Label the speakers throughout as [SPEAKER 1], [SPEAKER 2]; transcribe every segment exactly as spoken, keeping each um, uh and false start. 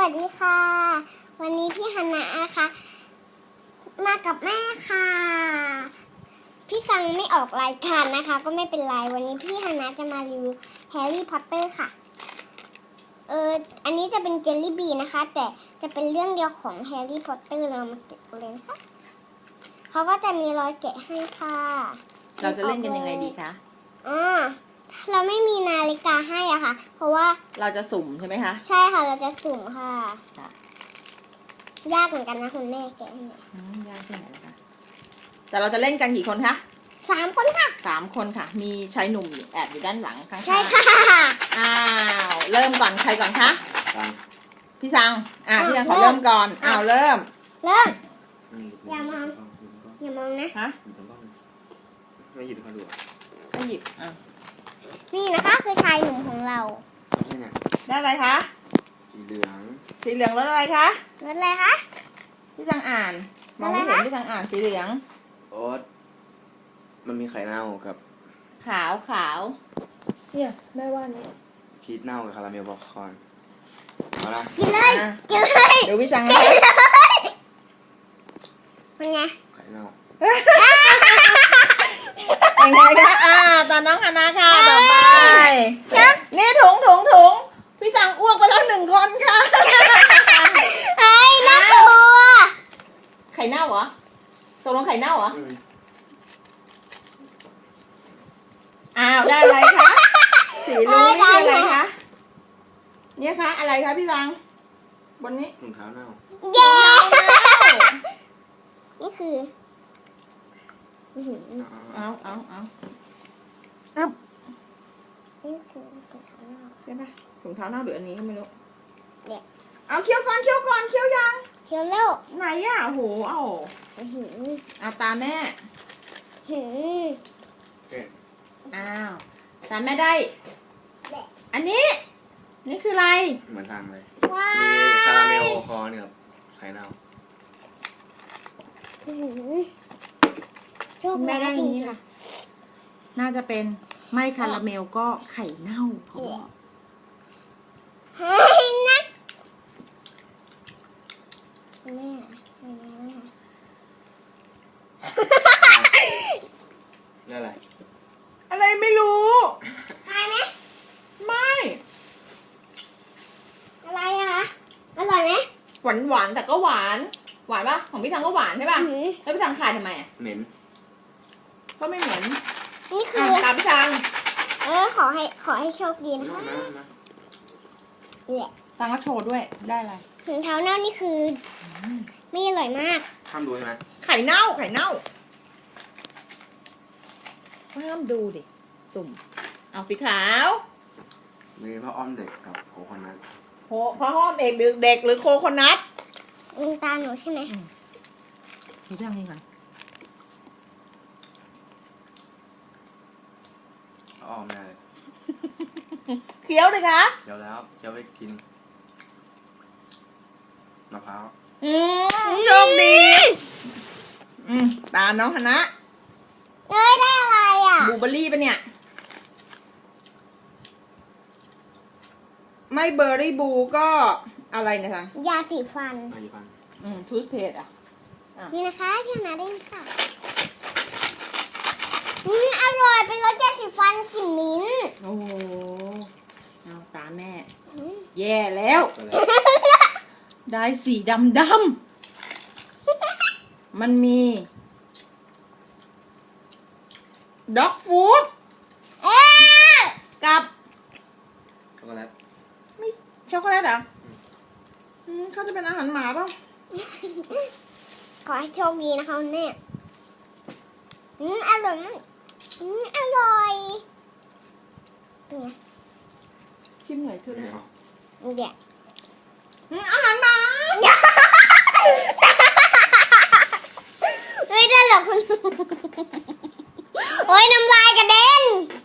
[SPEAKER 1] วัสดีค่ะ วันนี้พี่ฮันนะนะคะมากับแม่ค่ะพี่ซังไม่ออกรายการนะคะก็ไม่เป็นไรวันนี้พี่ฮันนะจะมารีวิวแฮร์รี่พอตเตอร์ค่ะเอออันนี้จะเป็นเจลลี่บีนะคะแต่จะเป็นเรื่องเดียวของแฮร์รี่พอตเตอร์เรามาเก็บเลยนะคะเขาก็จะมีรอยแกะให้ค่ะ
[SPEAKER 2] เราจะเล่นกันยังไงดีคะ
[SPEAKER 1] อ่าเราไม่มีนาฬิกาให้อ่ะค่ะเพราะว่า
[SPEAKER 2] เราจะสุ่มใช่ไหมคะ
[SPEAKER 1] ใช่ค่ะเราจะสุ่มค่ะยากเหมือนกันนะคุณแม่แกะให้หน่อย
[SPEAKER 2] ยากที่ไหนนะคะแต่เราจะเล่นกันกี่คนคะ
[SPEAKER 1] สามคนค่ะ
[SPEAKER 2] สามคนค่ะมีชายหนุ่มแอบอยู่ด้านหลังข้างๆ
[SPEAKER 1] ใช่ค่ะ
[SPEAKER 2] อ้าวเริ่มก่อนใครก่อนคะพี่ซังอ่าพี่ซังขอเริ่มก่อนอ้าวเริ่ม
[SPEAKER 1] เริ่มอย่ามองอย่ามองนะ
[SPEAKER 2] ฮะ
[SPEAKER 3] ไม่หยิบเขาดู
[SPEAKER 2] ไม่หยิบอ่ะ
[SPEAKER 1] นี่นะคะคือชายหนุ่มของเรา
[SPEAKER 2] ได้อะไรคะ
[SPEAKER 3] สีเหลือง
[SPEAKER 2] สีเหลืองรถอะไรคะ
[SPEAKER 1] รถอะไรคะ
[SPEAKER 2] พี่ซังอ่านมองไม่เห็นพี่ซังอ่านสีเหลือง
[SPEAKER 3] โอ๊ตมันมีไข่เน่ากับ
[SPEAKER 2] ขาวขาวเนี่ยแม่ว่านี่
[SPEAKER 3] ชีสเน่ากับคาราเมลป๊อปคอร์นเอาละ
[SPEAKER 1] กินเลยกินเลย
[SPEAKER 2] เดี๋ยวพี่ซัง
[SPEAKER 1] นะเป็นไง
[SPEAKER 3] ไข่เน่า
[SPEAKER 2] เป็นไงคะอ่าตอนน้องฮานาค่ะต่อไปนี่ถุงถุงถุงพี่จังอ้วกไปแล้วหนึ่งคนค่ะ
[SPEAKER 1] เฮ้ยน่ากลัว
[SPEAKER 2] ไข่เน่าเหรอตกลงไข่เน่าเหรออ้าวได้อะไรคะสีลุ้งนี่คืออะไรคะเนี่ยคะอะไรคะพี่จังบนนี้
[SPEAKER 3] ถุงเท้าเน่า
[SPEAKER 1] เย้นี่คือ
[SPEAKER 2] เอาเอาเอา
[SPEAKER 1] อึ๊บนี่คือถุงเท้าเน่า
[SPEAKER 2] ใช่ไหมถุงเท้าเน่าหรืออันนี้ก็ไม่รู้
[SPEAKER 1] เนี่ย
[SPEAKER 2] เอาเคี้ยวก่อนเคี้ยวก่อนเคี้ยวยัง
[SPEAKER 1] เคี้ยวแล้ว
[SPEAKER 2] ไหนอ่ะโหเอาเอาตาแม่
[SPEAKER 1] หือ
[SPEAKER 2] อ้าวตาแม่ได้อันนี้นี่คืออะไร
[SPEAKER 3] เหมือนทางเลย
[SPEAKER 1] ว้า
[SPEAKER 3] มีคาราเมลคอเนี่ยกับไข่เน่า
[SPEAKER 2] แม่ได้อย่างนี้ค่ะน่าจะเป็นไม่คาราเมลก็ไข่เน่าเขาบอก
[SPEAKER 1] เฮ้ยนะแม่เป็นไงแม่
[SPEAKER 3] นี่อะไร
[SPEAKER 2] อะไรไม่รู้
[SPEAKER 1] ใครไหม
[SPEAKER 2] ไม่
[SPEAKER 1] อะไรอะคะอร่อยไหม
[SPEAKER 2] หวานหวานแต่ก็หวานหวานปะของพี่ทังก็หวานใช่ป่ะแล้วพี่ทังขายทำไมอ่ะ
[SPEAKER 3] เหม็น
[SPEAKER 2] ก็ไม่เหม็น
[SPEAKER 1] นี่คือ
[SPEAKER 2] ตามพี่ทัง
[SPEAKER 1] เออขอให้ขอให้โชคดีนะคะเนี่ย
[SPEAKER 2] ตังก็โชว์ด้วยได้อะไร
[SPEAKER 1] ถุงเท้าเน่านี่คือไม่อร่อยมาก
[SPEAKER 3] ห้ามดูใช่ไหม
[SPEAKER 2] ไข่เน่าไข่เน่าห้ามดูดิสุ่มเอาสีขาว
[SPEAKER 3] มีพระอ้อมเด็กกับโคคอนัท
[SPEAKER 2] โหพระอ้อมเอกเด็กหรือโคโคนัท
[SPEAKER 1] ตาหนูใช่ไหม
[SPEAKER 2] พี่ทังนี่ก่อน
[SPEAKER 3] อ้อมแน่เลย
[SPEAKER 2] เคี้ยวเลยคะ
[SPEAKER 3] เคี้ยวแล้วเคี้ยวไปกินมะพร้าว
[SPEAKER 2] อืมโชคดีอืมตาน้องคณะ
[SPEAKER 1] เอ้ยได้อะไรอ่ะ
[SPEAKER 2] บลูเบอร์รี่ปะเนี่ยไม่เบอร์รี่บลูก็อะไรนะทัง
[SPEAKER 1] ยาสีฟัน
[SPEAKER 3] ยาสีฟัน
[SPEAKER 2] อืมทูสเพสอ่ะ
[SPEAKER 1] นี่นะคะพี่นาได้ค่ะอืมอร่อยเป็นรสยาสีฟันกลิ่นมิ้นท์
[SPEAKER 2] โอ้โหเอาตาแม่แย่แล้วได้สีดำดำมันมีด็อกฟู้ดกับ
[SPEAKER 3] ช็อกโกแลต
[SPEAKER 2] ไม่ช็อกโกแลตเหรออืมเขาจะเป็นอาหารหมาป่ะ
[SPEAKER 1] ขอให้โชคดีนะคะคุณแม่อืมอร่อยอืมอร่อยเป็นไง
[SPEAKER 2] ชิมหน่อยคืออะไร
[SPEAKER 1] เดี๋ยว
[SPEAKER 2] อาหารหมา
[SPEAKER 1] เฮ้ยได้เหรอคุณโอ้ยน้ำลายกระเด็น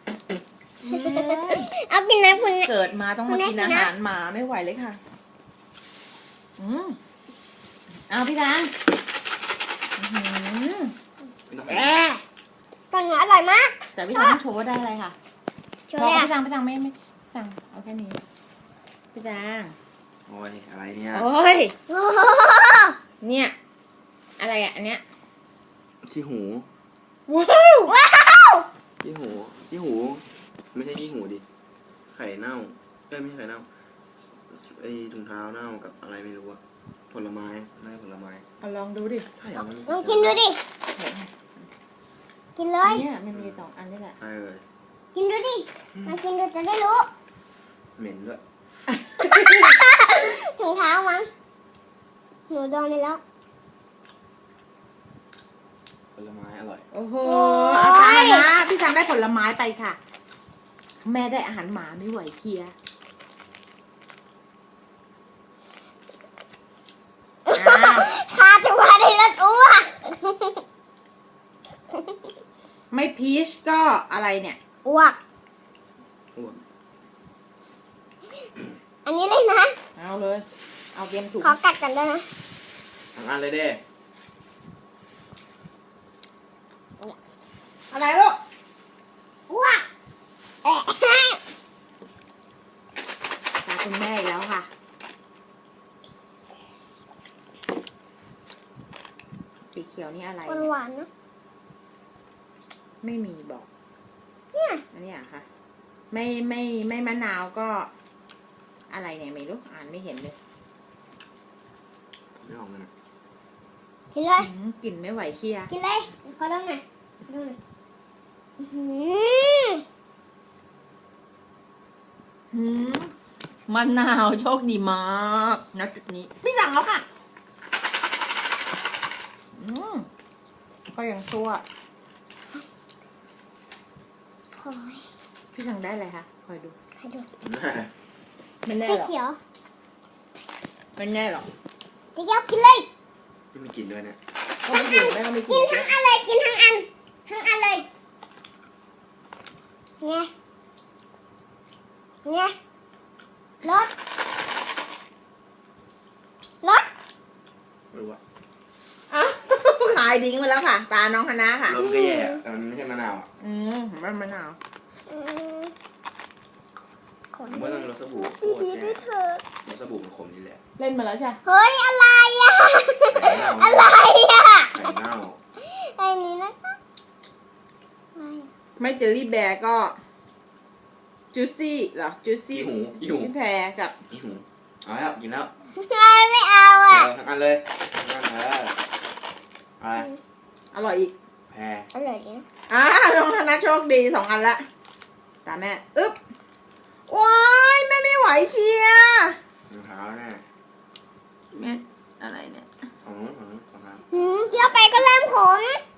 [SPEAKER 1] เอากินนะคุณ
[SPEAKER 2] เกิดมาต้องมากินอาหารหมาไม่ไหวเลยค่ะอืมเอาพี่ดัง
[SPEAKER 1] แอะตอนนี้อร่อยมาก
[SPEAKER 2] แต่พี่ดังโชว์ว่าได้อะไรค่ะพอพี่ดังพี่ดังไม่ไม่ดังเอาแค่นี้พี่ดัง
[SPEAKER 3] โอ้ยอะไรเนี่ย
[SPEAKER 2] โอ้ย
[SPEAKER 1] โอ้โห
[SPEAKER 2] เนี่ย อะไรอ่ะอันเนี้ย
[SPEAKER 3] ขี้หู
[SPEAKER 2] ว้าว
[SPEAKER 1] ว้าว
[SPEAKER 3] ขี้หูขี้หู ไม่ใช่ขี้หูดิไข่เน่าเอ้ยไม่ใช่ไข่เน่าไอถุงเท้าเน่ากับอะไรไม่รู้อะผลไม้ไม่ใช่ผลไม้
[SPEAKER 2] เอาลองดูดิ
[SPEAKER 3] ใช่เหรอมัน
[SPEAKER 1] ลองกินดูดิ กินเลย
[SPEAKER 2] เนี่ยมันมีสองอันนี่แหละ
[SPEAKER 3] ใช่เลย
[SPEAKER 1] กินดูดิลองกินดูจะได้รู้
[SPEAKER 3] เหม็นด้วย
[SPEAKER 1] ถุงเท้ามั้งหนูโดนไปแล้ว
[SPEAKER 3] ผลไม้อร่อย
[SPEAKER 2] โอ้โห
[SPEAKER 1] โอ้ย
[SPEAKER 2] อาจารย์นะพี่จังได้ผลไม้ไปค่ะ แม่ได้อาหารหมาไม่ไหวเคลียร์อ้าว
[SPEAKER 1] ข้าจะมาได้รถอ้วก
[SPEAKER 2] ไม่พีชก็อะไรเนี่ย
[SPEAKER 1] อ้วก
[SPEAKER 3] อ้วน
[SPEAKER 1] อันนี้เลยนะ
[SPEAKER 2] เอาเลย เอาเตรียมถุง
[SPEAKER 1] ขอกัดกันด้วยนะ
[SPEAKER 3] ทั้งอันเลยเด้
[SPEAKER 2] อะไรลูก
[SPEAKER 1] อ้วกเอ๊ะ
[SPEAKER 2] ตาคุณแม่อีกแล้วค่ะ สีเขียวนี่อะไร
[SPEAKER 1] หวานหวานๆนะ
[SPEAKER 2] ไม่มีบอก
[SPEAKER 1] เนี่ย
[SPEAKER 2] อันนี้อะค่ะ ไม่ไม่ไม่มะนาวก็ อะไรเนี่ยไม่รู้อ่านไม่เห็นเลย
[SPEAKER 3] ไม่ออกเลยนะ
[SPEAKER 1] กินเลย
[SPEAKER 2] อืมกลิ่นไม่ไหวเคลียร์
[SPEAKER 1] กินเลยขอดูหน่อยขอดูหน่อยอื้อหือ
[SPEAKER 2] หืมมะนาวโชคดีมากนะจุดนี้ พี่สั่งแล้วค่ะ อืมก็ยังชั่ว
[SPEAKER 1] โอ้ย
[SPEAKER 2] พี่สั่งได้อะไรคะคอยดู
[SPEAKER 1] ขอดู
[SPEAKER 2] ไม่แน่
[SPEAKER 1] สี
[SPEAKER 2] หรอก
[SPEAKER 1] เขียว
[SPEAKER 2] ไม่แน่หรอก
[SPEAKER 1] เดี๋ยวกินเลย
[SPEAKER 3] ไม่มีกลิ่นด้วยเนี่ย
[SPEAKER 2] ก็ไม่อยู่แม่ก็ไม่กิ
[SPEAKER 1] กิ
[SPEAKER 2] น
[SPEAKER 1] นทั้งอันเลยกินทั้งอัน ทั้งอันเลยไงไงรถรถ
[SPEAKER 3] ไม่รู้อะ
[SPEAKER 2] อ้าวขายดิ้งไปแล้วค่ะ ตาน้องคณะค่ะ
[SPEAKER 3] รสมันก็แย่อะแต่มันไม่ใช่มะนาวอะ
[SPEAKER 2] อืมมันมะนาว
[SPEAKER 1] อืมขอ
[SPEAKER 3] ผมว่าต้องรสสบู่โค
[SPEAKER 1] ดี
[SPEAKER 3] ตร
[SPEAKER 1] ดีๆด้
[SPEAKER 3] แย่
[SPEAKER 1] วยเถอะ
[SPEAKER 3] รสสบู่มันขมนี่แหละ
[SPEAKER 2] เล่นมาแล้วใช่
[SPEAKER 1] เฮ้ย อะไรอ่ะ
[SPEAKER 3] ไข่เน่า
[SPEAKER 1] อะไรอ่ะ
[SPEAKER 3] ไข่เน่า
[SPEAKER 1] ไอ้นี้นะคะอะไร
[SPEAKER 2] ไม่เจลลี่แบร์ก็จูซี่เหรอจูซี่
[SPEAKER 3] ขี้หูขี้หู
[SPEAKER 2] พี่แพรกับ
[SPEAKER 3] ขี้หูเอาแล้วกินแล้ว
[SPEAKER 1] ไม่ไม่เอา
[SPEAKER 3] เอ
[SPEAKER 1] อ่ะ
[SPEAKER 3] อทั้งอันเลยทั้งอันเอออะไร
[SPEAKER 2] อร่อยอีก
[SPEAKER 3] แพร
[SPEAKER 1] อร่อยดีนะ
[SPEAKER 2] อ่าน้องธนาโชคดีสองอันละตามแม่อึ๊บว้ายแม่ไม่ไหวเชียร์
[SPEAKER 3] รองเท้าแน่
[SPEAKER 2] แม่อะไรเนี่ย
[SPEAKER 3] ของนู้นของนู้นรองเท้า
[SPEAKER 1] หืมเคี้ยวไปก็เริ่มขม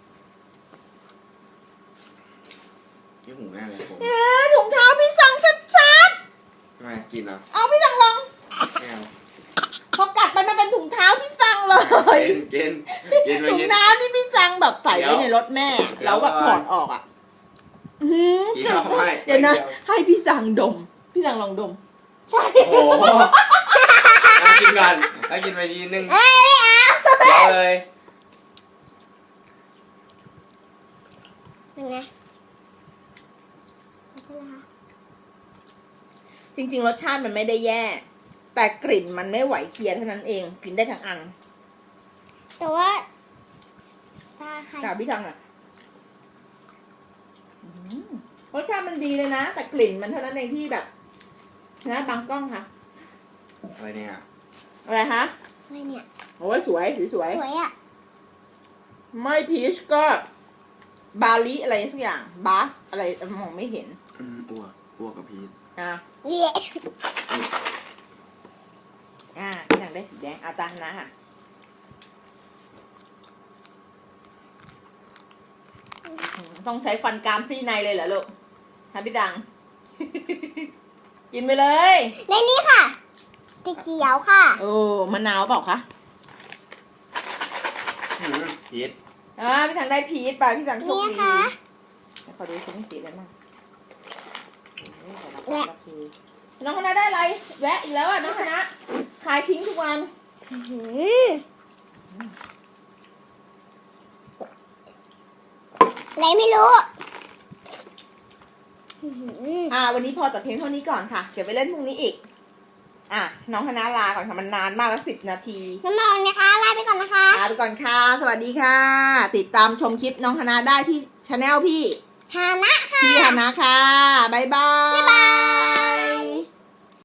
[SPEAKER 3] ขี้หูแน่เลยผม
[SPEAKER 2] เออถุงเท้าพี่สั่งชัด
[SPEAKER 3] ทำไมกินเหรอ
[SPEAKER 2] ๆเอาพี่สั่งลอง
[SPEAKER 3] ไม่เอา
[SPEAKER 2] พอกัดไปมันเป็นถุงเท้าพี่สั่งเลย
[SPEAKER 3] กินกินกินไป
[SPEAKER 2] ถุง
[SPEAKER 3] กิน
[SPEAKER 2] เท้าที่พี่สั่งแบบใส่ไว้ในรถแม่
[SPEAKER 3] เดี๋ยว
[SPEAKER 2] แล้วแบบถอดออกอ่ะอื้อหือ
[SPEAKER 3] กินเอาให้
[SPEAKER 2] เดี๋ยวนะ ให้พี่สั่งดม พี่สั่งลองดม ใช่
[SPEAKER 3] โอ้โหแล้วกินกันแล้วกินไปทีนึง
[SPEAKER 1] เอ้ยไม่เอา
[SPEAKER 3] เดี๋ยวเลย
[SPEAKER 1] เป็นไงเป็นไงคะ
[SPEAKER 2] จริงๆ รสชาติมันไม่ได้แย่ แต่กลิ่นมันไม่ไหวเคลียร์เท่านั้นเอง กินได้ทั้งอัน
[SPEAKER 1] แต่ว่าตาใคร
[SPEAKER 2] กาพี่ทังอ่ะอืมรสชาติมันดีเลยนะ แต่กลิ่นมันเท่านั้นเองที่แบบนะบางกล้องค่ะ
[SPEAKER 3] อะไรเนี่ย
[SPEAKER 2] อะไรคะ
[SPEAKER 1] อะไรเนี่ย
[SPEAKER 2] โอ้ยสวยสีสวย
[SPEAKER 1] สวยอ่ะ
[SPEAKER 2] ไม่พีชก็ บาลีอะไรสักอย่าง บาอะไรมองไม่เห็น
[SPEAKER 3] อืมอ้วกอ้วกกับพีช
[SPEAKER 2] อ่ะ
[SPEAKER 1] เละ
[SPEAKER 2] อ่าพี่ทังได้สีแดงเอาตามนะค่ะ ต้องใช้ฟันกรามซี่ในเลยเหรอลูกฮะพี่ตัง กินไปเลย
[SPEAKER 1] ในนี้ค่ะสีเขียวค่ะ
[SPEAKER 2] โอ้มะนาวเปล่าคะ
[SPEAKER 3] อืมพีช
[SPEAKER 2] อ่าพี่ตังได้พีชไปพี่ตังโชค
[SPEAKER 1] นี่
[SPEAKER 2] ดี
[SPEAKER 1] ค่ะ
[SPEAKER 2] เดี๋ยวขอดูชิ้นสีนั้นมาโอ้ยขอรับรับทีน้องคณะได้อะไร แวะอีกแล้วอ่ะน้องคณะขายทิ้งทุกวัน
[SPEAKER 1] อื้อหืออะไรไม่รู้อื้อหือ
[SPEAKER 2] อ่า วันนี้พอแต่เพียงเท่านี้ก่อนค่ะ เดี๋ยวไปเล่นพรุ่งนี้อีกอ่ะน้องคณะลาก่อนค่ะมันนานมากแล้วสิบนาที
[SPEAKER 1] น้ำมองนะคะลาไปก่อนนะคะ
[SPEAKER 2] ลาไปก่อนค่ะสวัสดีค่ะ ติดตามชมคลิปน้องคณะได้ที่ช anel พี่
[SPEAKER 1] ฮานะค่ะ
[SPEAKER 2] พี่ฮานะค่ะบ๊ายบาย